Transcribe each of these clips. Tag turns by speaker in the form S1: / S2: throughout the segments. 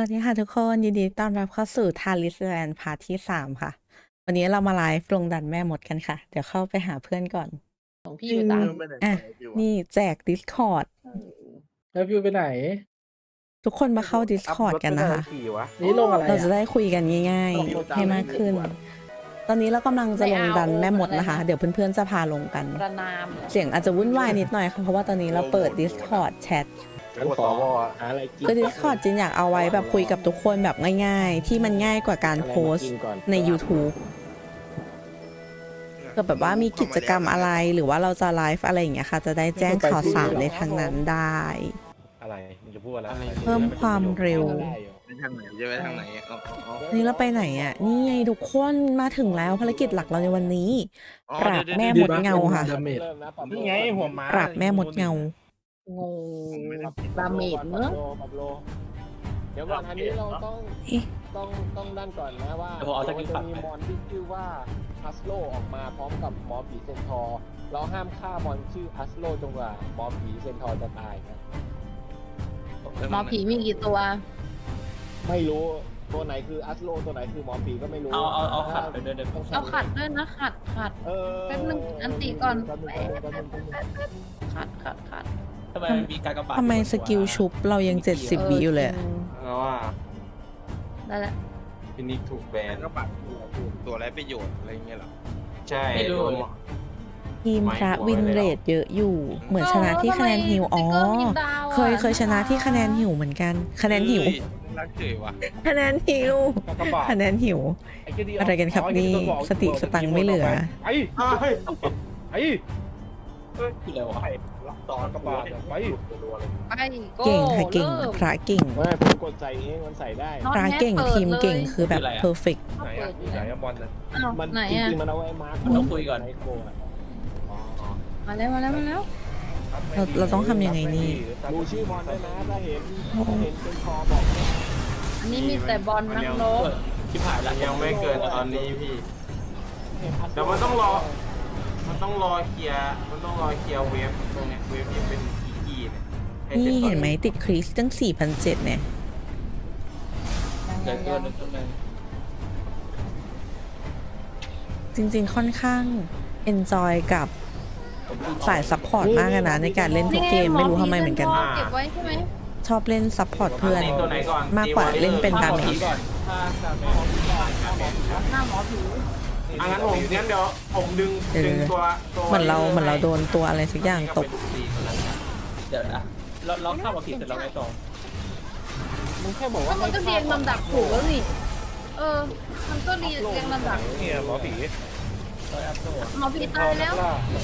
S1: วัสดีค่ะทุกคนยินดีต้อนรับเข้าสู่ทาริสแลนด์พาร์ทที่3ค่ะวันนี้เรามาไลฟ์ลงดันแม่มดกันค่ะเดี๋ยวเข้าไปหาเพื่อนก่อน
S2: ของพี่อยู่ตาม
S1: อ่ะนี่แจก Discord
S3: แล้ววิวไปไหน
S1: ทุกคนมาเข้า Discord กันนะคะ
S3: นี่ลงอะไร
S1: เราจะ
S3: อ่ะ
S1: ได้คุยกันง่ายๆให้มากขึ้น ตอนนี้เรากำลังจะลงดันแม่มดนะคะ เดี๋ยวเพื่อนๆจะพาลงกัน
S2: ประนามเหรอ
S1: เสียงอาจจะวุ่นวายนิดหน่อยค่ะเพราะว่าตอนนี้เราเปิด Discord แชท
S3: งั้นขอหาอะไรกิน
S1: คือ Discord จินอยากเอาไว้แบบคุยกับทุกคนแบบง่ายๆ ที่มันง่ายกว่าการโพสต์ใน YouTube ก็แบบว่ามีกิจกรรมอะไรหรือว่าเราจะไลฟ์อะไรอย่างเงี้ยค่ะ จะได้แจ้งข่าวสารในทางนั้นได้
S3: อะไรมึงจะพูดอะไร
S1: เพิ่มความเร็ว
S4: ไปทางไหนจะไปทางไหนอ๋อ
S1: นี่เราไปไหนอ่ะ นี่ไงทุกคนมาถึงแล้วภารกิจหลักเราในวันนี้ ปราบแม่มดเงาค่ะ
S3: ดาเมจนี่ไงหัวม้า
S1: ปราบแม่มดเงา
S2: งงดาเมจเนอะ
S5: เดี๋ยวก่อนอันนี้เราต้อง
S1: เอ๊ะ
S5: ต้องด้านก่อนนะว่า
S3: เดี๋ยวผมเอาสกิล
S5: จะ
S3: ปัด
S5: มี
S3: ไป
S5: มอนที่ชื่อว่าฮัสโลออกมาพร้อมกับหมอผีเซนทอร์เราห้ามฆ่ามอนชื่อฮัสโลจนกว่าหมอผีเซนทอร์จะตายครับ
S2: หมอผีมีกี่ตัว
S5: ไม่รู้ตัวไหนคือฮัสโลตัวไหนคือหมอผีก็ไม่รู้
S3: เอาขัดไปด้วยเดี๋ยว
S2: เอาขัดด้วยนะขัด
S5: เออ
S2: แป๊บนึงอันติก่อน
S5: แป๊บนึง
S2: ขัด
S3: ทำไมมันมีการกระบาด
S1: ทำไมสกิลชุบเรายัง70วิอยู่เลยอะ
S4: แล้วว่า
S2: ได้แล้ว
S4: พินิกถูกแบนก็ปัดตัวไรประโยชน์อะไรเงี้ยหรอใช่
S3: ไม่รู้
S1: ทีมพระวินเรทเยอะอยู่ เหมือนชนะที่คะแนนหิวอ๋อ เคยชนะที่คะแนนหิวเหมือนกัน คะแนนหิว
S4: รักเฉยวะ
S1: คะแนนหิว
S3: กระบาด
S1: คะแนนหิว อะไรกันครับนี่สติสตังค์ไม่เหลือ
S3: ไอ้ไอ้คืออะไรวะ
S5: ตอนกระบาดไป
S2: ไปโก้
S1: เก่งค่ะเก่ง
S2: ริ่ม
S1: พระเก่ง
S5: ไม่ผมกดใส่เองมันใส่ได้
S2: น็อต
S1: พระเก่ง
S2: แฮกเปิด
S1: ทีมเก่ง
S2: เลย
S1: คือแบบเพอร์เฟก
S3: ไหนอ่ะไหนอะบอลนะ
S2: อ้าว
S5: มัน
S2: ไหน
S5: จ
S2: อ่ะ
S5: ริงๆมันเอาไว้มาร์ค
S3: มันต้องคุยก่อน
S5: ในโคอะ
S2: มาแล้ว
S1: เราต้องทำยังไงนี่
S5: ดูชื่อมอนด้วยนะถ้าเห็นเป็นคอบอกนะ
S2: อันนี้มีแต่บอลนักรบ
S3: ชิบหายละ
S4: ยังไม่เกิดตอนนี้พี่
S5: เห็นฮัสโล
S4: เดี๋ยวมันต้องรอเคลียร์เวฟตรงเนี้ยเวฟที่เป็นอีเนี่ย
S1: นี่เห็นไหมติดคริสตั้ง 4,700เนี่ย
S3: เกิดตัวนึงตัวนึง
S1: จริงๆค่อนข้างเอนจอยกับสายซัพพอร์ตมากอะนะในการเล่นทุกเกมไม่รู้ทำไมเหมือนกัน
S2: เก็บไว้ใช่ไหม
S1: ชอบเล่นซัพพอร์ตเพื่อน
S4: ตีตัวไหนก่อน
S1: มากกว่าเล่นเป็นดาเมจ
S3: ก่อนถ้าดาเมจ
S2: หน้าหมอผี
S4: งั้นเดี๋ยวผมดึงตัว
S1: เหมือนเราโดนตัวอะไรสักอย่างตก
S3: เดี๋ยวนะเราเข้ามาผิดเสร็จแล้วไงต่อ
S5: มึงแค่บอกว่า
S2: มันก็เรียงลำดับถูกแล้วนี่มันก็เรียงลำดับ
S3: เนี่ยหมอผี
S2: หมอผีตายแล้ว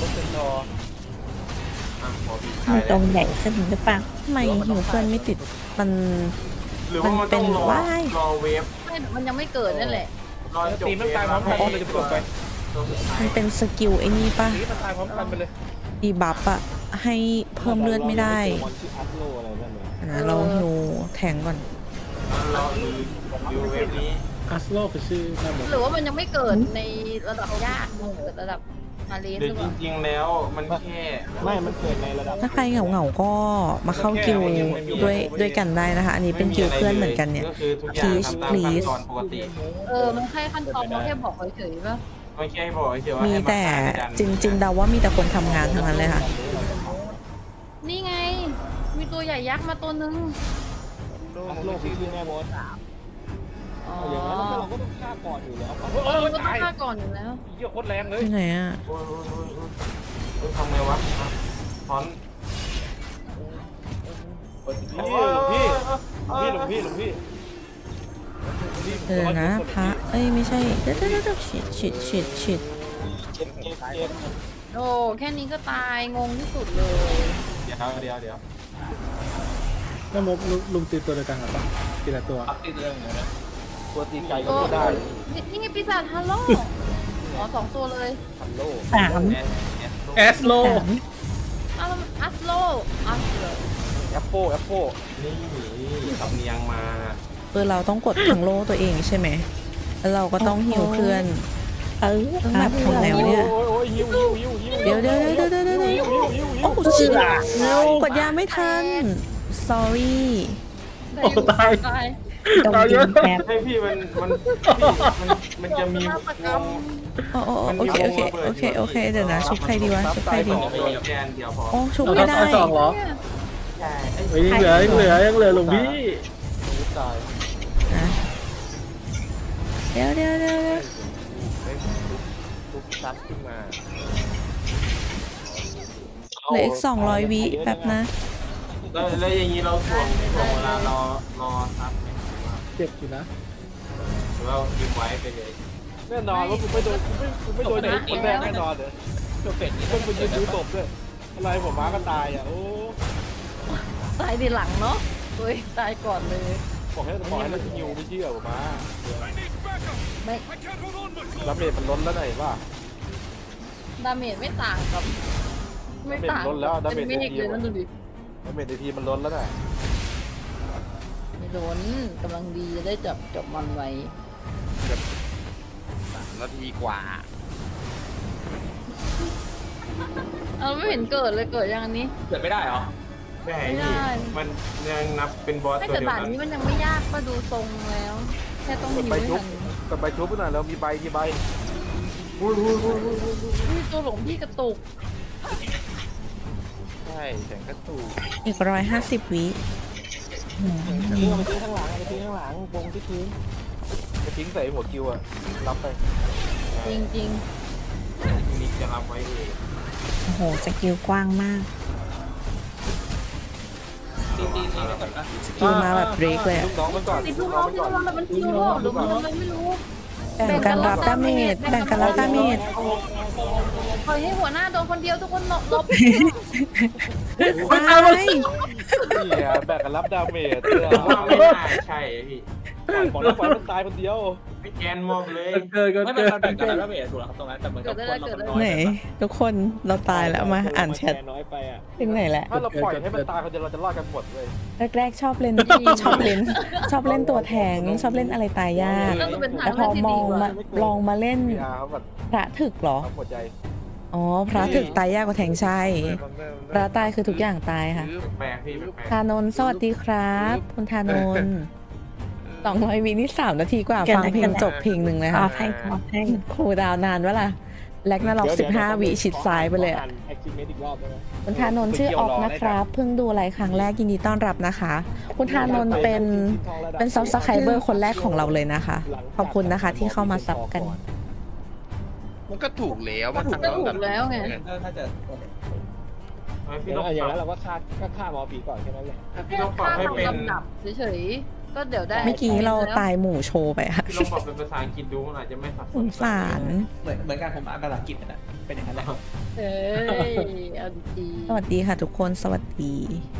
S1: ตรงใหญ่ขึ้นหรือเปล่าทำไมหิวเพื่อนไม่ติดมัน
S4: หรือว่ามันต้องรอเวฟ
S2: ไม่มันยังไม่เกิดนั่นแหละ
S4: รอจบ
S3: ตีมันตายพร้อมกันเลยจะจบไป
S1: มันเป็นสกิลไอ้นี่ป่ะ
S3: ตีมันตายพร้อมกันไปเลย
S1: ดีบัฟอะให้เพิ่มเลือดไม่ได้
S5: มอนชื่อฮัสโลอะไรนั่นเลย
S1: นะเราหิวแทงก่อน
S4: รอดูเวฟนี้
S3: อัสโลคือชื่อแม่หมด
S2: หรือว่ามันยังไม่เกิดในระดับยากมันเกิดระดับมาเลส
S4: หรื
S2: ห
S4: อ
S2: รือเป
S4: จ
S2: ล่า
S4: ริงๆแล้วมันแค่
S5: ไม่มันเกิดในระดับ
S1: ถ้าใครเหงาๆก็มาเข้ากิลด้วยกันได้นะคะ อันนี้เป็นกิลเพื่อนเหมือนกันเนี่ย
S4: ก็คือทุกอย่างทำตามขั้นตอนปกติ
S2: มันแค่ขั้นตอนมันแค่บอกเฉยๆป่ะ
S4: ไม่ใช่บอกเฉยว่า
S1: มี
S4: ให้
S1: แต่จริงๆเดาว่ามีแต่คนทำงานทั้งนั้นเลยค่ะ
S2: นี่ไง มีตัวใหญ่ยักษ์มาตัวนึง
S5: ฮัสโลคือชื่อแม่มด
S2: อ๋อ
S5: อย่างนั้นเราก็ต้องฆ่าก่อนอยู่แล้ว
S2: มันก็ต้องฆ่าก่อนอยู่แล้ว
S3: เยี่ยโคตรแรงเลย
S1: ที่ไหนอะ
S4: โอ้ยทำไงวะฟอน
S3: หลวงพี่
S1: เออนะพระเอ้ยไม่ใช่เดี๋ยวฉีด
S5: เจ็บ
S2: โอ้แค่นี้ก็ตายงงที่สุดเลย
S4: เดี๋ยว
S3: แม่มดลุงตีตัวเดียวกันหรือเปล่าทีละตัวตีตัวเดียวกันนะ
S5: ตัวตีไก่ก็
S2: โอ้
S5: ได้
S2: นี่ไงปีศาจฮัลโหลอ๋อ2 ตัวเลย
S5: ฮัลโล
S3: แอสโล
S2: อ้าวแล้วมันอัสโลเลย
S5: แอปโป
S4: นี่สำเนียงมา
S1: เราต้องกดทางโล่ตัวเองใช่ไหมแล้วเราก็ต้องหิวเพื่อนต้องแบบทำแล้วเนี่ย
S5: โอ้ยหิว
S1: เดี๋ยวโอ้เชื่อกดยาไม่ทัน sorry
S2: ตาย
S1: ตรงดินแป๊บ
S4: ให้พี่มันจะมีวง
S1: โอ้โอเคโอเคเดี๋ยวนะชุบใครดีวะชุบใครดี
S4: โดนแกนเดียวพอ
S1: โอ้ชุบ
S3: เอา
S1: ไม่ได้
S3: เอาสองเหรอ
S4: ใช่
S3: เฮ้ยยังเหลือหลวงพี่
S5: ชีวิตตาย
S1: นะเดี๋ยว
S5: ทุกซับขึ้นมา
S1: เหลืออีก200 วิแป๊บนะ
S4: แล้วอย่างนี้เราถ่วงเวลารอซับไหม
S3: เจ็บอยู่นะ
S4: หรือว่ากินไว้ไปเลย
S5: แน่นอนว่ากูไม่โดนกูไม่โดนคนแรกแน่นอนเลยตัวเป็ดนี่ต้องไปยืนดูศพด้วยอะไรผมม้าก็ตายอ่ะโอ้
S2: ตายทีหลังเนาะเฮ้ยตายก่อนเลย
S5: บอกให้มันฮิวไม่เชื่อผมม้า
S2: ไม่
S5: รับเมจมันล้นแล้วไหนวะ
S2: ดาเมจไม่ต่างกับ ไม่ต่าง
S5: ดาเมจลดแล้วดาเมจ
S2: เป็นเมฆเลยนั่นดูดิ
S5: รับเมจในทีมันล้นแล้วน่ะ
S2: ไม่โดนกำลังดีจะได้จับมันไว้
S6: นาทีกว่า
S2: เอาไม่เห็นเกิดเลยเกิดยังอันนี้
S6: เกิดไม่ได้เหรอ
S4: ไม่
S2: ไม่ได้
S4: มันยังนับเป็นบอส
S2: ไม่
S4: ตัว
S2: แต่
S4: เดียว
S2: ด่าน
S4: กัน
S2: นี้มันยังไม่ยากก็ดูทรงแล้ว แค่ต้อง
S5: ก
S2: หิ
S5: ด
S2: ว
S5: ใบ
S2: ให้
S5: ชุ
S2: ทั
S5: บ
S2: น
S5: กดใบชุบหน่อยเรามีใบกี่ใบ
S2: อุ้ยตัวหลงพี่กระตุก
S5: ใช่แสงกระตู
S1: อีก150 วิอืม
S5: เอาไปทิ้งข้างหลังเอาไปทิ้งข้างหลังวงที่พื้นไปทิ้งใส่หัวคิวอะรับไป
S2: จริง
S4: มีจะรับไว้เอง
S1: โอ้โหสกิลกว้างมาก
S6: ตีไปก่อนนะ
S1: สกิลมาแบบเบรกเลย
S5: ลู
S1: อะ
S5: กน้องมันก่อน
S2: ๆติดลูกน้องที่เรามันคิวโลหรือมันอะไรไม่รู้
S1: แบ่งกันรับดาเมจแบ่งกันรับดาเมจ
S2: ปล่อยให้หัวหน้าโดนคนเดียวทุกคนหลบ
S1: ตาย
S5: นี่อะแบกกันรับดาเมจ
S4: ผมว่าไม่น่าใช่พี่
S5: ของน้องปล่อยมันตายคนเดียว
S4: ไม่แกนมอบเลย
S3: เกิด
S6: ไม่เป็นการแบ่งกันแล้วเบสถูกแล้วครับตรงนั้นแต่เหมือนกับคนเรามันน้อย
S1: ไหนทุกคนเราตายแล้วมาอ่านแชท
S5: น้อยไปอะ
S1: ถึงไหนแหละ
S5: ถ้าเราปล่อยให้มันตายคนเดียวเราจะรอดกันหมดเลย
S1: แรกๆชอบเล่นชอบเล่นตัวแทงชอบเล่นอะไรตายยาก
S2: ก็คือเป็นทาง
S1: แต่พ
S2: เลื
S1: อ
S2: อกที่
S1: ม
S2: ดี
S1: อง
S2: กว่า
S1: มาลองมาเล่น
S5: พีอาร์เขาแบบ
S1: พระถึกเหรอ
S5: ทำหัวใจ
S1: อ๋อพระถึกตายยากกว่าแทงใช่พระตายคือทุกอย่างตายค่ะ
S4: แปลกพี่แปลก
S1: ธานนท์สวัสดีครับคุณธานนท์200 วินี่3 นาทีกว่าฟังเพลงจบเพลงหนึ่งเลยค่ะครูดาวนานวะล่ะแลกนาล็อก15 วิชิดซ้ายไปเลยอะ
S5: แอคทิเมตอีกรอบได้ไหม
S1: คุณธานนท์ชื่อออกนะครับเพิ่งดูไลฟ์ครั้งแรกยินดีต้อนรับนะคะ คุณธานนท์เป็นซับสไครเบอร์คนแรกของเราเลยนะคะ ขอบคุณนะคะที่เข้ามาซับกัน
S6: มันก็ถูกแล้วมัน
S2: ก็ถูกแล้วไง
S6: ถ้าจะ
S4: พี่ต้อง
S5: อย่าง
S4: ป
S5: นั้น
S4: รับ
S5: เราก็ฆ่าหมอผีก่อนแค่นั้นแหละ
S4: พี่ต้องปรับให้เป็น
S2: ลำดับเฉยๆก็เดี๋ยวได้
S1: เมื่อกี้เราตายหมู่โชว์ไปค่ะ
S4: พี่ต้องปรับเป็นภาษาอังกฤษดูมันอาจจะไม่สับส
S1: ส
S4: น
S1: งสาร
S6: เหมือนกันผมอ่านภาษาอังกฤษนะเป็นอย่างนั้นแหละ
S2: เอ้ยเอาดี
S1: สวัสดีค่ะทุกคนสวัสดี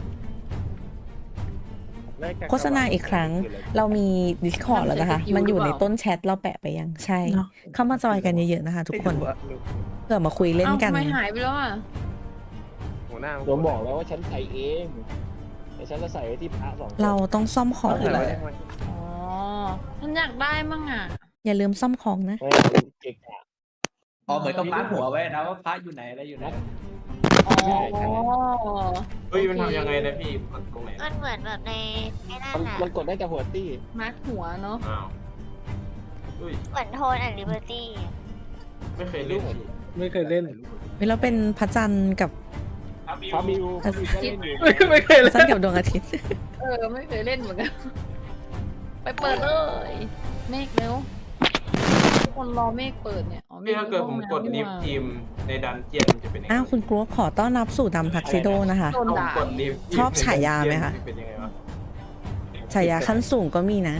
S1: โฆษณาอีกครั้ง เรามี Discord แล้วนะคะ มันอยู่ในต้นแชทเราแปะไปยังใช่ เข้ามาจอยกันเยอะๆนะคะทุกคนเพื่อมาคุย
S2: ๆ
S1: เล่น
S2: เอ้า
S1: กัน
S2: ทำไมหายไปแล้วอ่ะ
S5: หัวหน้าผมบอกแล้วว่าฉันใส่เองแต่ฉันจะใส่ไว้ที่พระสองคน
S1: เราต้องซ่อมของ
S6: อะไร
S2: อ๋อฉันอยากได้มั่งอ่ะ
S1: อย่าลืมซ่อมของนะ
S5: ไม่เก่งอะ
S6: อ๋อเหมือนกับมาร์คหัวไว้นะว่าพระอยู่ไหนอะไรอยู่ไหน
S2: อ๋อ
S4: เฮ้ยมันทำยังไงนะพี่กดตรงไหน
S7: มันเหมือนแบบในไอ้นั่น
S5: มัน
S7: น่ะ
S5: มันกดได้แต่หัวตี้
S2: มาร์คหัวเนาะ
S4: อ้าวเฮ้ย
S7: เหมือนโทนแอนด์ลิเบอร์ตี้
S4: ไม่เคยเล่นพี่
S3: ไม่เคยเล่น
S1: เวลาเป็นพระจันทร์กับ
S5: ฟามิวก็เล่นอยู่
S3: ไม่เคย
S1: พระ
S3: เล่
S1: จันท
S3: น
S1: ร์กับดวงอาทิตย์
S2: ไม่เคยเล่นเหมือนกัน ไปเปิดเลยเมฆเร็วทุกคนรอเมฆเปิดเนี่ยอ๋อเม
S4: พี่
S2: ฆ
S4: ถ้าเกิดผมกดลิฟ
S2: นี่หว่า
S4: ทีมในดันเจียนจะเป็นยังไง
S1: อ้าวคุณกรุ๊ปขอต้อนรับสู่ดำทักซิโดนะคะ
S2: โดน
S4: ผม
S2: ด่า
S4: กดลิฟ
S1: ชอบฉายาไหมคะ
S4: เป็นยังไงวะ
S1: ฉายาขั้นสูงก็มีนะ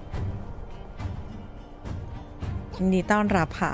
S1: ยินดีต้อนรับค่ะ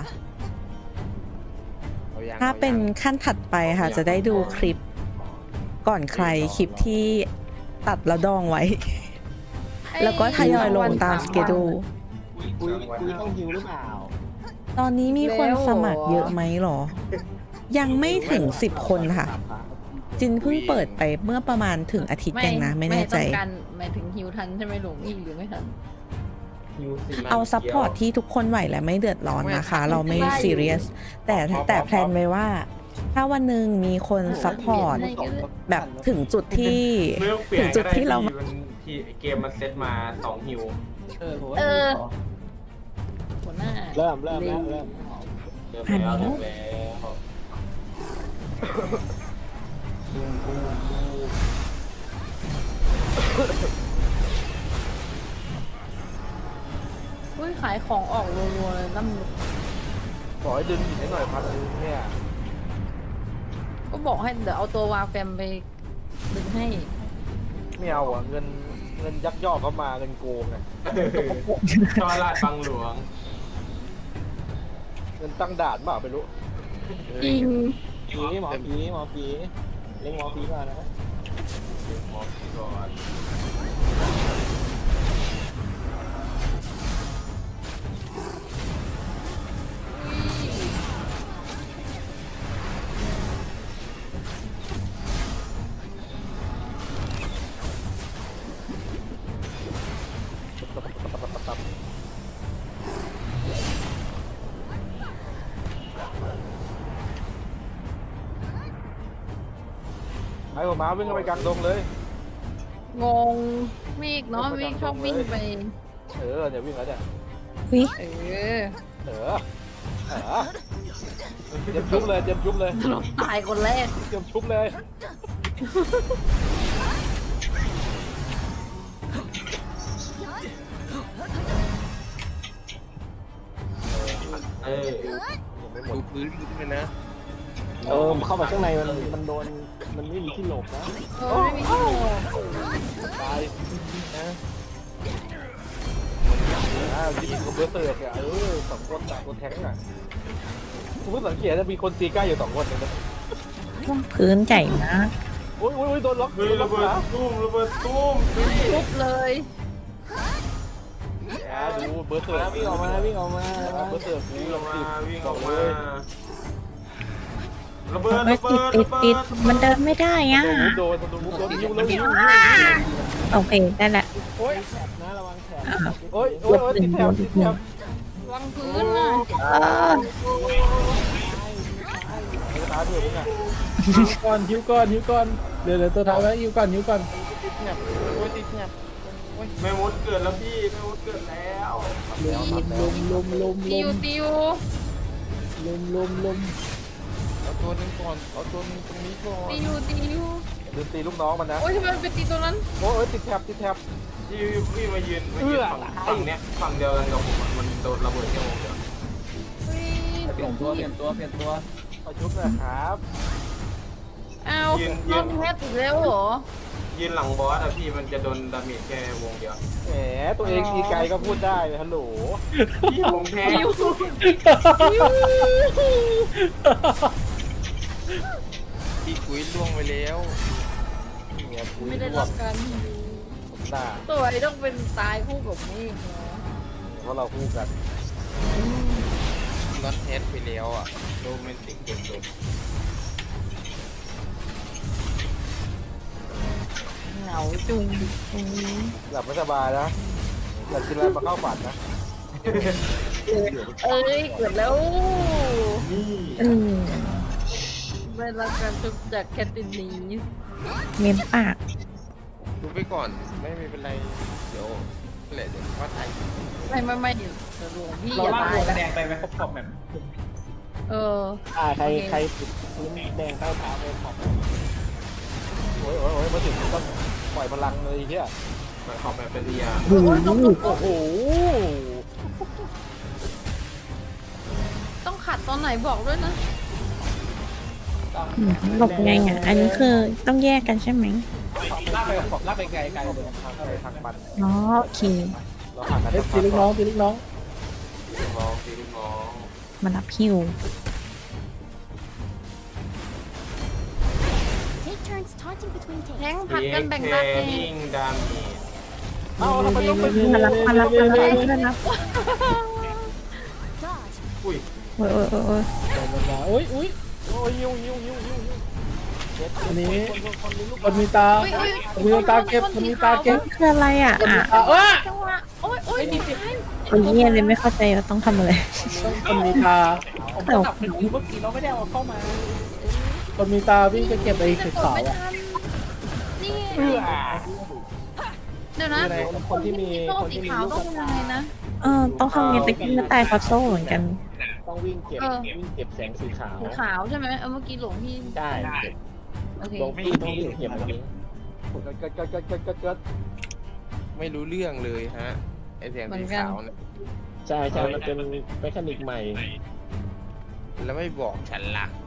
S1: ถ้าเป็นขั้นถัดไปค่ะ จะได้ดูคลิปก่อนใครคลิปที่ตัดแล้วดองไว้ แล้วก็ทยอยลงตามสเกดู
S5: คุยต้องฮิวหรือเปล่า
S1: ตอนนี้มีคนสมัครเยอะไหมหรอ ยังไม่ถึง10 คนค่ะ จินเพิ่งเปิดไปเมื่อประมาณถึงอาทิตย์เองนะ ไม่แน่ใจ
S2: ต้องการหมายถึงฮิวทันใช่ไหมหลวงพี่หรือไม่ทัน
S1: เอาซัพพอร์ตที่ทุกคนไหวและไม่เดือดร้อนนะคะ เราไม่ซีเรียสแต่แพลนไว้ว่าถ้าวันหนึ่งมีคนซัพพอร์ตแบบถึงจุดที่
S4: ไม่ต้องเปลี่ยน
S1: จุด
S4: ก็ได้
S1: ที่เรา
S4: พี่มันที่เกมมันเซตมา2ฮิว
S6: ผมว่า
S2: หัวหน้า
S5: เริ่มแล้วเริ่ม
S4: เริ่มแล้วเริ่มแล้ว
S2: อุ้ยขายของออกรัวๆเลยน้ำ
S3: ขอให้ดึงหินให้หน่อยพันนึงเนี่ย
S2: ก็บอกให้เดี๋ยวเอาตัววาแฟมไปดึงให้
S3: ไม่เอาอ่ะเงินยักยอกเข้ามาเงินโกงไง
S4: ชอลาดบังหลวง
S3: เงินตั้งด่านเปล่าไม่รู้
S2: จริง
S5: หมอผีเล่นหมอผีก่อนนะ
S4: หมอพี่ก่อน
S3: ไอ้หัวม้าวิ่งเข้าไปกลางดงเลย
S2: งงเมฆเนาะเมฆชอบวิ่งไป
S3: เดี๋ยววิ่งแล้วเนี่ย
S1: วิ
S2: เออ
S3: เตรียมชุบเลยเตรียมชุบเลย
S2: เราตายคนแรก
S3: เตรียมชุบเลย
S4: เออ
S3: ดูพื้นเลยนะ
S5: เข้าไปข้างในมันโดนมันไม่มีที่หลบนะ
S2: เออไม่มีที่โหล
S3: ตายนะยิงกับเบอร์เตอร์เนี่ยสองคนต่างคนแทงอ่ะคุณผู้สังเกตจะมีคนตีใกล้อยู่2 คนเลยนะ
S1: พื้นใหญ่มาก
S3: โอ้ยโดนล็อก
S4: เฮ้ยระเบิดตุ้มระเบิดตุ้ม
S2: ทุบเลย
S3: ดูเบอร์เตอร์
S5: วิ่งออกมา
S3: เบอร์เตอร์กู
S4: วิ่งออกมาวิ่งออก
S3: เล
S4: มาย ระเบิด
S1: ไม่
S4: ระเบิ
S1: ติด
S4: ด
S1: มันเดินไม่ได้อ่ะ
S3: โดนยิ้วแล้วยิ้ว
S1: โอเคได้ละ
S3: โอ้ย
S5: แถบนะระวังแถบ
S3: โอ้ยติดแถบ
S2: วางพื้นน่ะ
S3: ตาเดือดมึงอ่ะ
S5: หิวก่อนเดี๋ยวตัวท้ายไว้หิวก่อน
S4: แม่มดเกิดแล้วพี่แม่มดเกิดแล้ว
S5: ลุม
S2: ติว
S3: เอาตัวนึงก่อนเอาตัวนึงตรงนี้ก่อน
S2: ติว
S3: ลืมตีลูกน้องมันนะ
S2: โอ้ยทำไมมันไปตีตัวนั้น
S3: โอ้ยติดแถบ
S4: ที่พี่มายืนฝั่งเนี้ยฝั่งเดียวกันกับผมมันโดนระเบิดแค่วงเดียว
S2: เฮ้ย
S6: เปลี่ยนตัว
S3: เอาชุบนะครับ
S2: เอานอนแพทย์อีกแล้วเหรอ
S4: ยืนหลังบอสอะพี่มันจะโดนดาเมจแค่วงเดียว
S3: แหมตัวเองตีไกลก็พูดได้ฮัลโหล
S4: พี่ผมแพ้
S3: พี่คุยล่วงไปแล้วเนี่ยคุย
S2: ไม่ได้
S3: ล่ว
S2: รั
S3: ง
S2: บการ
S3: หน้า
S2: ตัวไอ้ต้องเป็นตายคู่กับเมฆเนาะ
S3: เพราะเราคู่กัน
S4: น็อตเทสไปแล้วอะโรแมนติกเกินตัว
S2: เหงาจุง
S3: หลับไม่สบายนะอยากกินอะไรมาเข้าฝันนะ
S2: เอ้ยเกิดแล้ว
S4: นี่
S2: ได้รับการชุบจากแคทตินี
S1: เม้มปาก
S8: ดูไปก่อนไม่เป็นไร เดี๋ยวแหละเดี๋ยวว่าไทย
S2: ไม่เดี๋ยวหลวงพี่
S6: เรา
S2: อย่า
S6: ลาก
S2: ตาย
S6: ตัว
S2: นะ
S6: แดงไปไหมครบแบบ
S2: เออ
S5: ใครติดพื้นแดงใต้เท้าไปขอบ
S3: โอ้ยมาถึงต้องปล่อยพลังเลยเฮีย
S4: มันขอบแบบเป็นยา
S3: โอ้โห
S2: ต้องขัดตอนไหนบอกด้วยนะ
S1: หลบไงอ่ะ อันนี้คือต้องแยกกันใช่ไหม
S6: ลากไปไกลเลย
S3: อะไรทางมัน
S1: อ๋อโอเค
S3: เราห่างกัน
S5: ตีลูกน้อง
S4: ตีลูกน้อง
S1: มารับฮิว
S7: Take turns taunting between
S2: แทง
S7: takes.
S2: ผัดกันแบ่งกันเอง
S4: ยิงดาเมจ
S3: เอาทำไมต้องเป็น
S1: มารับ
S7: Dodge.
S4: อุ้ย
S1: โอ้ย
S5: โอ้ย
S3: โอ้ยยิว
S5: อันนี้คนมีตา
S2: มีตาเก็บ
S1: คืออะไรอ่ะ
S2: จังหวะโอ้ยดี
S1: คนเงียเลยไม่เข้าใจว่าต้องทำอะไร
S5: คนมีตา
S6: ผมก็ดับผิดเมื่อกี้เราไม่ได้เอาเข้ามา
S3: คนมีตาวิ่งจะเก็บไอ้สีขาว
S2: ไม่
S3: อ่ะ
S2: ทันนี่
S3: เพื่อ
S2: เดี๋ยวนะ
S5: คนที่มี
S2: โซ่
S5: คน
S2: สี
S5: ที่มี
S2: ขาว
S5: ลูก
S2: ต้องทำยังไงนะ
S1: ต้องทำเงินตะกี้ก็ตายเพราะโซ่เหมือนกัน
S5: ต้องวิ่งเก็บแสงสีขาว
S2: สีขาวใช่ไหมเมื่อกี้หลวงพี่
S5: ได้
S2: โอเค
S5: ลงพี่ต้องวิ่งเก็บแบบนี้
S3: เกิด
S8: ไม่รู้เรื่องเลยฮะไอแสงสีขาวเนี่ย
S5: ใช่มันเป็นเมคานิกใหม่
S8: แล้วไม่บอกฉันล่ะ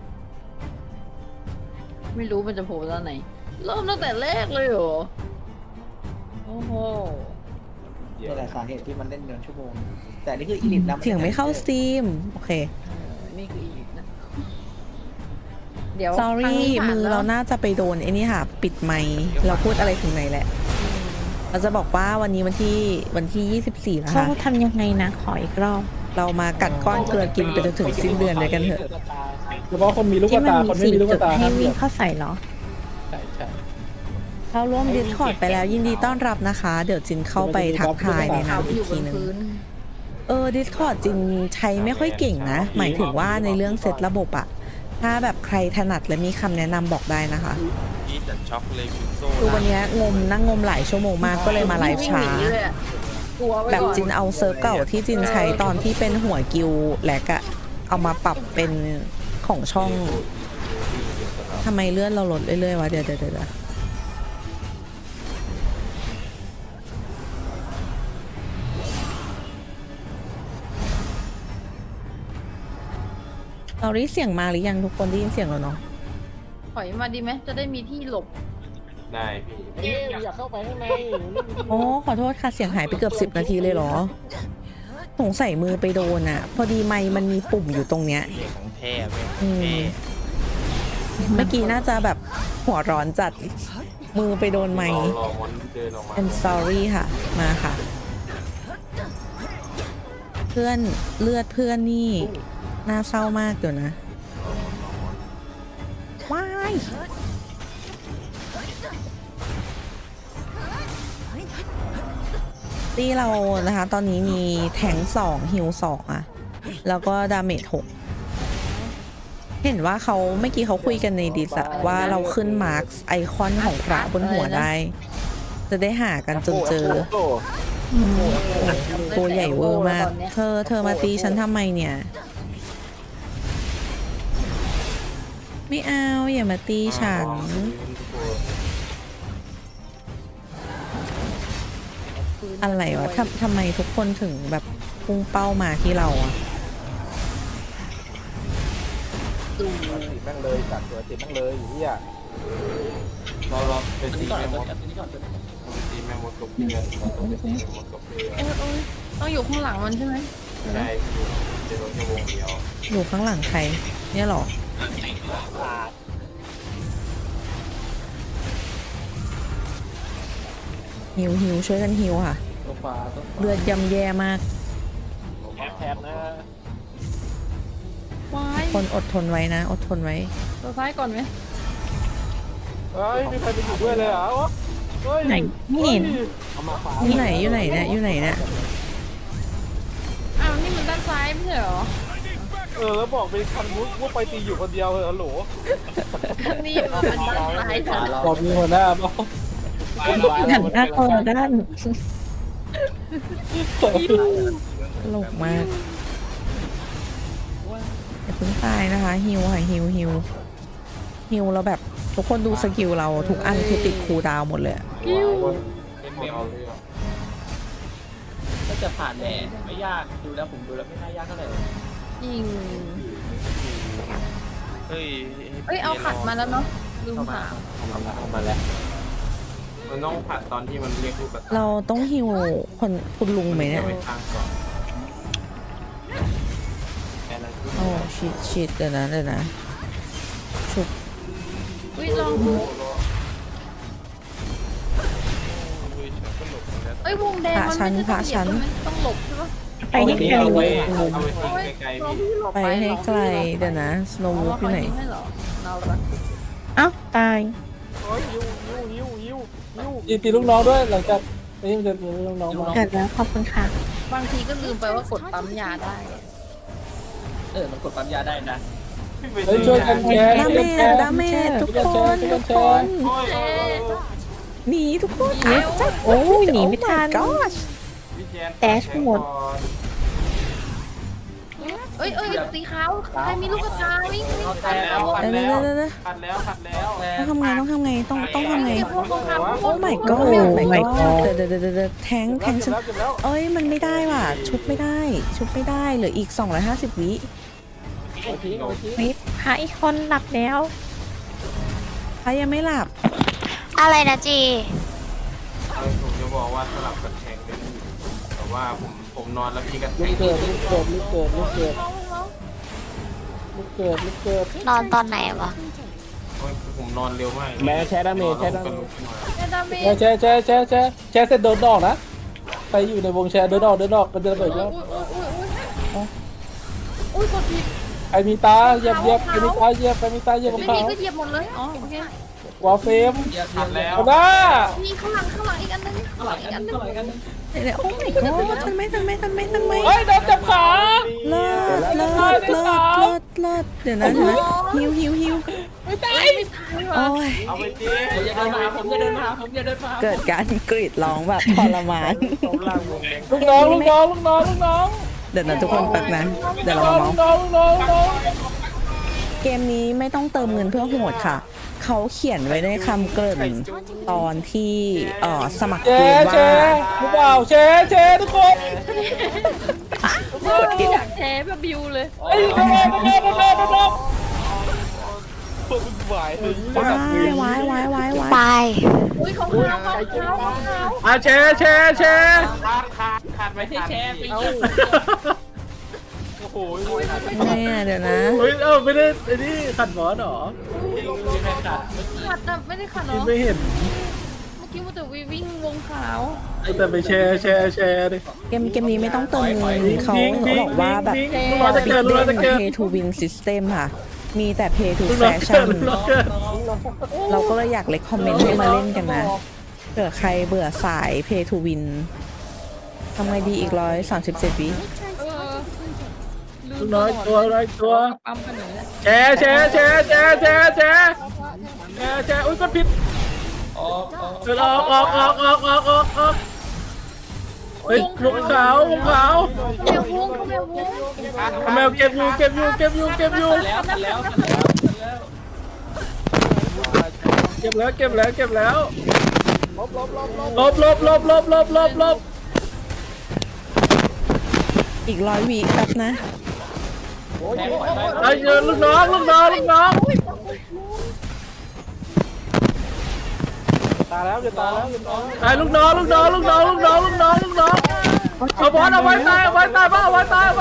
S2: ไม่รู้มันจะโผล่ตอนไหน เริ่มตั้งแต่แรกเลยเหรอ โอ้โห
S6: นี่แหละสาเหตุที่มันเล่นเดือนชั่วโมง แต่นี่คืออีลิทนะ
S1: เสียงไม่เข้าสตรีม โอเค
S2: นี่คืออีกนะ เดี๋ยว
S1: sorry มือเราน่าจะไปโดนไอ้นี่ค่ะ ปิดไมค์เราพูดอะไรถึงไหนแหละ เราจะบอกว่าวันนี้วันที่24แล้ว
S9: เขา
S1: ค่ะ
S9: ทำยังไงนะ ขออีกรอบ
S1: เรามากัดก้อนเกลือกินไปจนถึงสิ้นเดือนเลยกันเถอะ
S3: เฉพาะคนมีลูก
S9: ที่
S3: ตา
S9: มัน
S3: คน
S9: มี
S3: ไม่มีลูก
S9: จุด
S3: ตา
S9: ให้
S3: ห้ามเห
S9: วิ่
S3: ยี
S9: ง
S3: ยบ
S9: เข้าใส่เหรอ
S3: ใช่
S1: เข้าร่วม Discord ไปแล้วยินดีต้อนรับนะคะ เดี๋ยวจินเข้าไปทักทายในนั้นอี
S2: อก ยู่บ
S1: ที
S2: น
S1: นึง
S2: พื้น
S1: Discord จินใช้ไม่ค่อยเก่งนะ หมายถึงว่าในเรื่องเซตระบบอะถ้าแบบใครถนัดและมีคำแนะนำบอกได้นะคะ
S8: นี่จัดช็อกเลยคุณโซ่
S1: คือวันนี้นั่งงมหลายชั่วโมงมากก็เลยมาไลฟ์ช้า
S2: วิ่งหนีเลยอะกลัวไว้
S1: แบบ
S2: ก่อน
S1: จินเอาเซิร์ฟเก่าที่จินใช้ตอนที่เป็นหัวกิวแลกอะเอามาปรับเป็นของช่องทำไมเลื่อนเราลดเรื่อยๆวะเดี๋ยวเราได้เสียงมาหรือยังทุกคนได้ยินเสียงแล้วเนาะ
S2: ถอยมาดีไหมจะได้มีที่หลบ
S4: ได้พี่
S5: เอ๊ะอยากเข้าไปข้างใน
S1: โอ้ขอโทษค่ะเสียงหายไปเกือบ10 นาทีเลยเหรอสงสัยมือไปโดนอะพอดีไมค์มันมีปุ่มอยู่ตรงเนี้ย
S8: เสียงของแท้เว้ย
S1: อืม
S8: แท้
S1: เมื่อกี้น่าจะแบบหัวร้อนจัด มือไปโดนไมค์
S4: รอมันเดินออกมา
S1: I'm sorry ค่ะ มาค่ะ เพื่อนเลือดเพื่อนนี่น่าเศร้ามากเดี๋ยวนะว้ายตีเรานะคะ ตอนนี้มีแทง2ฮิล2อะแล้วก็ดาเมจ6เห็นว่าเขาเมื่อกี้เขาคุยกันในดิสอะว่าเราขึ้นมาร์คไอคอนของพระบนหัวได้ จะได้หากันจนเจอ ตัวใหญ่เวอร์มาก เธอมาตีฉันทำไมเนี่ย ไม่เอาอย่ามาตีฉัน อะไรวะทำไมทุกคนถึงแบบพุ่งเป้ามาที่เราอะ
S3: ติดแม่งเลยจัดตัวติดแม่งเลยเฮีย
S4: รอเป็นตีแม่มดตีแม่มดกับเพื่อนต้องเป็นตีแม่มดกับเพื่อน
S2: ต้องอยู่ข้างหลังมันใช่ไหม
S4: ใช่พี่จะโดนแค่วงเดียว
S1: อยู่ข้างหลังใคร เนี่ยเหรอ ฮิวช่วยกันฮิวค่ะ
S3: ตัวฟ้าตัว
S1: เลือดย่ำแย่มาก
S5: แทนนะ
S2: ว้าย
S1: คนอดทนไว้นะ อดทนไว้
S2: ตัวซ้ายก่อนไหม
S3: เฮ้ยมีใครไปอยู่ด้วยเลยเหรอวะเฮ้ย
S9: ไหนไม่เห็น
S3: เอามาฟ้า
S1: อยู่ไหนเนี่ยอยู่ไหนเนี่ย
S2: อ้าวนี่มันด้านซ้ายไม่ใช่เหรอ
S3: แล้วบอกเป็นคันมุกว่าไปตีอยู่คนเดียวเลยฮัลโหล
S2: นี่มันเป็นด้านซ้ายจ้ะ
S3: บอกมีหัวหน้าบอก
S9: หันหน้าคนละด้าน
S1: ตลกมากอย่าเพิ่งตายนะคะฮิวค่ะฮิวเราแบบทุกคนดูสกิลเราทุกอันคือติดคูลดาวน์หมดเลยอะ
S4: เป็นเมเอาเรื่อง
S6: ก็จะผ่านแน่ไม่ยากดูแล้วผมดูแล้วไม่น่ายากเท่าไหร่
S2: ยิง
S8: เฮ้ย
S2: เอ้ยเอาขัดมาแล้วเนาะลืมถาม
S5: เอามาแล้ว
S4: มันต้องผัดตอนที่มันเรียกลูกกระตา
S1: เราต้องฮิวคุณลุงไหมเนี่ย
S4: ไปข้างก่อนแค่นั้น
S1: โอ้ชิดเดี๋ยวนะชุบ
S2: อุ้ยลองดู
S8: ก็หลบแล้ว
S2: เอ้ยวงแดงมันไม่ได้ต้องเหยียบมันต้องหลบใช่ปะ
S9: ไปให้ไกล
S4: เอาไว้
S2: โอ้ย
S4: ไกลๆ
S2: เรา
S4: พี่
S2: พี่หลบ
S1: ไปให้ไกลเดี๋ยวนะสโนว์วูฟอยู่ไหน
S2: ให้เหรอเราละ
S9: เอ้าตาย
S3: เฮ้ยยิวตีลูกน้องด้วยหลังจากนี้มันจะมีลูกน้องมา
S9: เกิดแล้วขอบคุณค่ะ
S2: บางทีก็ลืมไปว่ากดปั๊มยาได้
S6: มันกดปั๊มยาได้นะ
S3: เฮ้ยช่วยกันแชร์
S1: ดาเมจดาเมจทุกคนทุกคน
S4: โอ้ยโอ้ยโอ้ย
S1: หนีทุกคน
S9: โอ้ยหนีไม่ทัน
S1: ก็
S4: พี่แจน
S9: แดชหมด
S2: เอ้ยสีขาวใครมีลูกกระตาวิ่ง
S4: ขัดแล้วขัด
S1: เดี๋ยว
S4: แล้ว
S1: เดี๋ยว
S4: ขัดแล้วขัดแล้ว
S1: ต้องทำไงต้องทำไงต้องทำไง
S2: เก็บพวกเขาทำ
S1: โอ้ my god
S9: โอ้
S1: my
S9: my
S1: god
S9: god
S1: เดี๋ยวแทงฉันเอ้ยมันไม่ได้ว่ะชุบไม่ได้เหลืออีก250 วิ
S5: เอาทิ้งเอาทิ้ง
S9: วิพระอีกคนหลับแล้ว
S1: ใครยังไม่หลับ
S7: อะไรนะจี
S4: เอาผมจะบอกว่าสลับกับแทงเป็นแต่ว่าผมนอนแล้วพี่ก็แท
S5: ลู
S4: ง
S5: กเกิดลูกเกิดลูกเกิดลูกเกิดลูกเกิดลูกเกิด
S7: นอนตอนไหนวะ
S4: โอ้ยผมนอนเร็วมาก
S5: แม่แชร์ดาเมจแชร์ดาเมจ
S2: ดาเมจ
S3: แชร์แชร์เสร็จเดินออกนะใครอยู่ในวงแชร์เดินออกมันจะระเบิดแล้ว
S2: อุ้ยกดผิด
S3: ใครมีตาเหยียบใครมีตาเหยียบ
S2: ไม่
S3: กับ
S2: มี
S3: เขา
S2: ก็เหยียบหมดเลยอ๋อโอเคว
S3: อลเฟม
S4: ขัดแล้ว
S3: เอาหน้า
S2: มีข้างหลังอีกอันนึง
S6: เท่าไหร่กันเท่าไหร่กัน
S1: เดี๋ยวโอ้ my god ทันไหม
S3: เฮ้ยโดนจับขา
S1: เลิศเดี๋ยวนะเดี๋ยวนะฮิว
S2: ไม่ตาย
S1: โอ้ย
S4: เอาไปจี
S6: ผมจะเดินมาผมจะเดินมาผมจะเดินมา
S1: เกิดการกรีดร้องแบบทรมาน
S3: ลูกน้อง
S1: เดี๋ยวนะทุกคนแป๊บนะเดี๋ยวเรามาเมาส์
S3: น้อง
S1: เกมนี้ไม่ต้องเติมเงินเพื่อโหดค่ะ เขาเขียนไว้ในคำเกริ่นตอนที่สมัคร
S3: แช
S1: เกม
S3: ร์
S1: ว่า
S3: หรือเปล่าแชร์ทุกคน
S2: อยากแชร์แบบบิวเลย
S3: ไอ้โดน
S7: ไป
S2: อุ้ยเขา
S3: แชร์
S4: ขาดไม่
S6: ไม่ใช่
S4: ขาด
S6: แชร์ไป
S5: เอา
S3: โอ้โห
S1: ไงอ่ะเดี๋ยวนะ
S3: เฮ้ยไม่ได้ไอ้นี่ขัดหมอนหรอ
S6: ไม่ใช่ขาด
S2: ขัดนะไม่ได้ขัดเนาะ
S3: ไม่เห็น
S2: เมื่อกี้มันแต่วิ่งวงขาว
S3: แต่ไปแชร์ดิ
S1: เกมนี้ไม่ต้องเติมเงินเขาบอกว่าแบบ
S3: ลูกน้องจะเกิดลูกน้องจะเกิด
S1: pay to win system ค่ะ มีแต่ pay to fashion เราก็เลยอยากเลยคอมเมนต์ให้มาเล่นกันนะเผื่อใครเบื่อสาย pay to win ทำไงดีอีก137 วิ
S3: ลูกน้อยตัว
S2: ปั๊มกันหน่อยแล้ว
S3: แชร์อุ้ยกดผิด
S6: ออก
S3: เดินออกเฮ้ยลงขาว
S2: เขาแมววง
S3: แมวเก็บอยู่
S6: แล้วทันแล้ว
S3: เก็บแล้ว ลบ
S1: อีก100 วิแป๊บนะ
S6: แทงปล่อยไป
S3: ไอ้เจอลูกน้องตาแล้วไอ้ลูกน้องเอาบอลเอาไว้ตายบ้าเอาไว้ตาย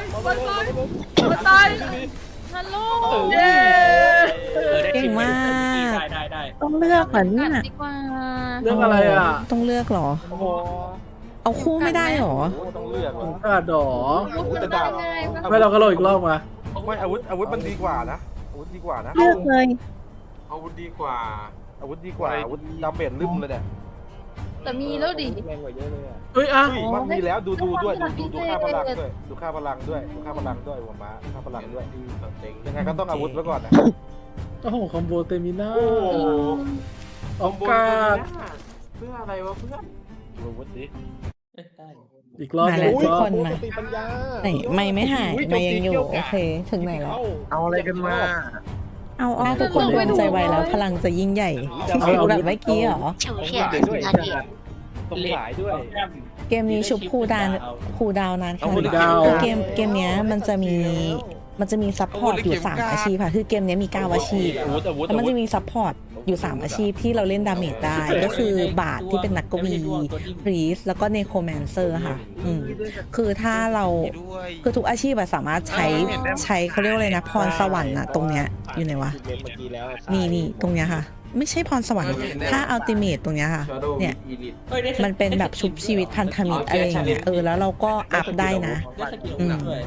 S2: ฮัลโหล
S3: เย้
S1: เก่งมาก
S6: ได้
S9: ต้องเลือกเหรอเนี่ย
S2: ดีกว่า
S3: เรื่องอะไรอ่ะ
S1: ต้องเลือกเหรอ
S3: โอ้โห
S1: เอาคู่ไม่ได้เหรอ
S3: ต้องเลือกกระดอ
S2: จะได้ไง
S3: ไม่เราก็โหลดอีกรอบมา
S8: ไม่อาวุธมันดีกว่านะอาวุธดีกว่านะ
S9: เลือกเลย
S4: อาวุธดีกว่า
S8: อาวุธดีกว่าอาวุธดาเมจลืมเลยเนี่ย
S2: แต่มีแล้วดิ
S5: แรงกว่าเยอะเลยอ่ะ
S3: เฮ้ยอ่ะ
S8: มันมีแล้วดูด้วยดูค่าพลังด้วยดูค่าพลังด้วยหัวม้าค่าพลังด้วยยังไงก็ต้องอาวุธไว้ก่อนนะ
S3: โอ้โหคอมโบเตมิน่า
S4: โอ้โห
S3: ออกกาด
S4: เพื่ออะไรวะเพื่อน
S8: อาวุธดิ
S6: ได้
S3: อีกรอบ
S1: มาแล้ว
S3: อีกรอบ
S1: ทุกคนมา
S5: สติปัญญา
S1: ไหนไม่หายไม่ยังอยู่ โอเค ถึงไหนแล้ว
S8: เอาอะไรกันมา
S1: ถ้าทุกคนรวมใจไวแล้วพลังจะยิ่งใหญ่แบบเมื่อกี้เหรอ
S7: เฉียวเฉียดนาที
S3: ตรงสายด้วย
S1: เกมนี้ชุบคูลดาวนานขนาดไหน
S3: ดาว
S1: คือเกมเนี้ยมันจะมีซัพพอร์ตอยู่3อาชีพค่ะคือเกมเนี้ยมี9อาชีพแล้วมันจะมีซัพพอร์ตอยู่3อาชีพที่เราเล่นดาเมจได้ก็คือบาทที่เป็นนักกวีพรีสแล้วก็เนโครแมนเซอร์ค่ะคือถ้าเราคือทุกอาชีพอะสามารถใช้เขาเรียกว่าอะไรนะพรสวรรค์อะตรงเนี้ยอยู่ไหนวะ
S5: เมื่อกี้แล้ว
S1: นี่ตรงเนี้ยค่ะ ไม่ใช่พรสวรรค์ถ้าอัลติเมทตรงเนี้ยค่ะ เนี่ย มันเป็นแบบชุบชีวิตพันธมิตรอะไรอย่างเงี้ยแล้วเราก็อัพได้นะ
S6: ด้วย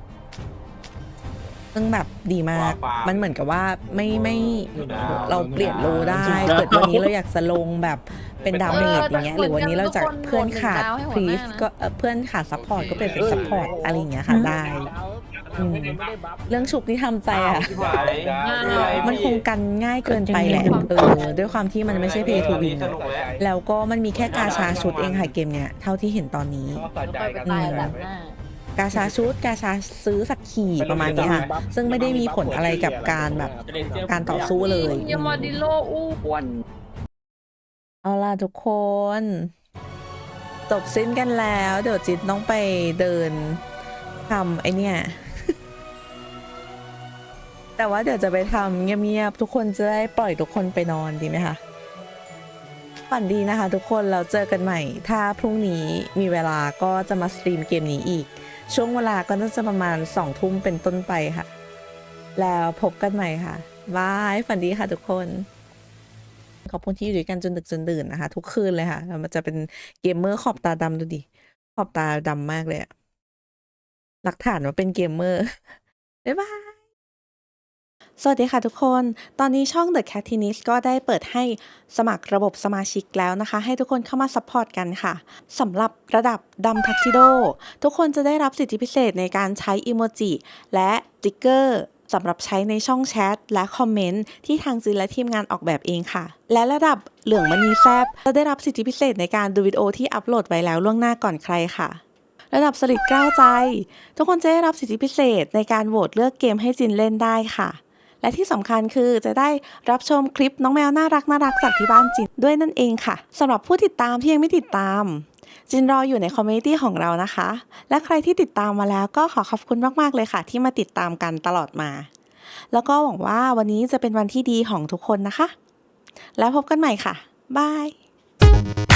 S1: ซึ่งแบบดีมาก มันเหมือนกับว่าไม่เราเปลี่ยนโลได้เกิดวันนี้เราอยากจะลงแบบเป็นดาเมจอย่างเงี้ยหรือวันนี้เราจะเพื่อนขาดพรีสก็เพื่อนขาดซัพพอร์ตก็เป็นซัพพอร์ตอะไรอย่างเงี้ยค่ะได้อืม
S5: ไม่ได้บัฟ
S1: เรื่องฉุกที่ทำใจอะ
S4: ชิบหาย
S1: มันคงกันง่ายเกินไปแหละด้วยความที่มันไม่ใช่เพย์ทูวิน
S4: สนุกแล้ว
S1: แล้วก็มันมีแค่กาชาชุดเองค่ะเกมเนี้ยเท่าที่เห็นตอนนี้
S3: ก็สะใจกัน
S2: ตายแบบหน้าก
S1: าชาชุดกาชาซื้อสักขี่ประมาณนี้ค่ะ ซึ่งไม่ได้มีผลอะไรกับการแบบ การต่อสู้เลย
S2: ยามาดิโลอ้วน
S1: เอาล่ะทุกคน จบสิ้นกันแล้ว เดี๋ยวจิตต้องไปเดินทำไอเนี่ย แต่ว่าเดี๋ยวจะไปทำเงียบๆทุกคนจะได้ปล่อยทุกคนไปนอนดีไหมคะฝันดีนะคะทุกคนเราเจอกันใหม่ ถ้าพรุ่งนี้มีเวลาก็จะมาสตรีมเกมนี้อีก ช่วงเวลาก็น่าจะประมาณ2 ทุ่มเป็นต้นไปค่ะ แล้วพบกันใหม่ค่ะบายฝันดีค่ะทุกคน ขอบคุณที่อยู่ด้วยกันจนดึกจนดื่นนะคะ ทุกคืนเลยค่ะแล้วมันจะเป็นเกมเมอร์ขอบตาดำดูดิขอบตาดำมากเลยอะหลักฐานว่าเป็นเกมเมอร์ บ๊ายบาย สวัสดีค่ะทุกคน ตอนนี้ช่อง The Catinist ก็ได้เปิดให้สมัครระบบสมาชิกแล้วนะคะ ให้ทุกคนเข้ามาซัพพอร์ตกันค่ะสำหรับระดับดำทักซิโดทุกคนจะได้รับสิทธิพิเศษในการใช้อิโมจิและสติ๊กเกอร์สำหรับใช้ในช่องแชทและคอมเมนต์ที่ทางจินและทีมงานออกแบบเองค่ะ และระดับเหลืองมณีแซบจะได้รับสิทธิพิเศษในการดูวิดีโอที่อัปโหลดไว้แล้วล่วงหน้าก่อนใครค่ะ ระดับสลิดกล้าวใจ ทุกคนจะได้รับสิทธิพิเศษในการโหวตเลือกเกมให้จินเล่นได้ค่ะ และที่สำคัญคือจะได้รับชมคลิปน้องแมวน่ารักจากที่บ้านจินด้วยนั่นเองค่ะสำหรับผู้ติดตามที่ยังไม่ติดตามจินรออยู่ในคอมมูนิตี้ของเรานะคะ และใครที่ติดตามมาแล้วก็ขอขอบคุณมากๆเลยค่ะ ที่มาติดตามกันตลอดมา แล้วก็หวังว่าวันนี้จะเป็นวันที่ดีของทุกคนนะคะ แล้วพบกันใหม่ค่ะบาย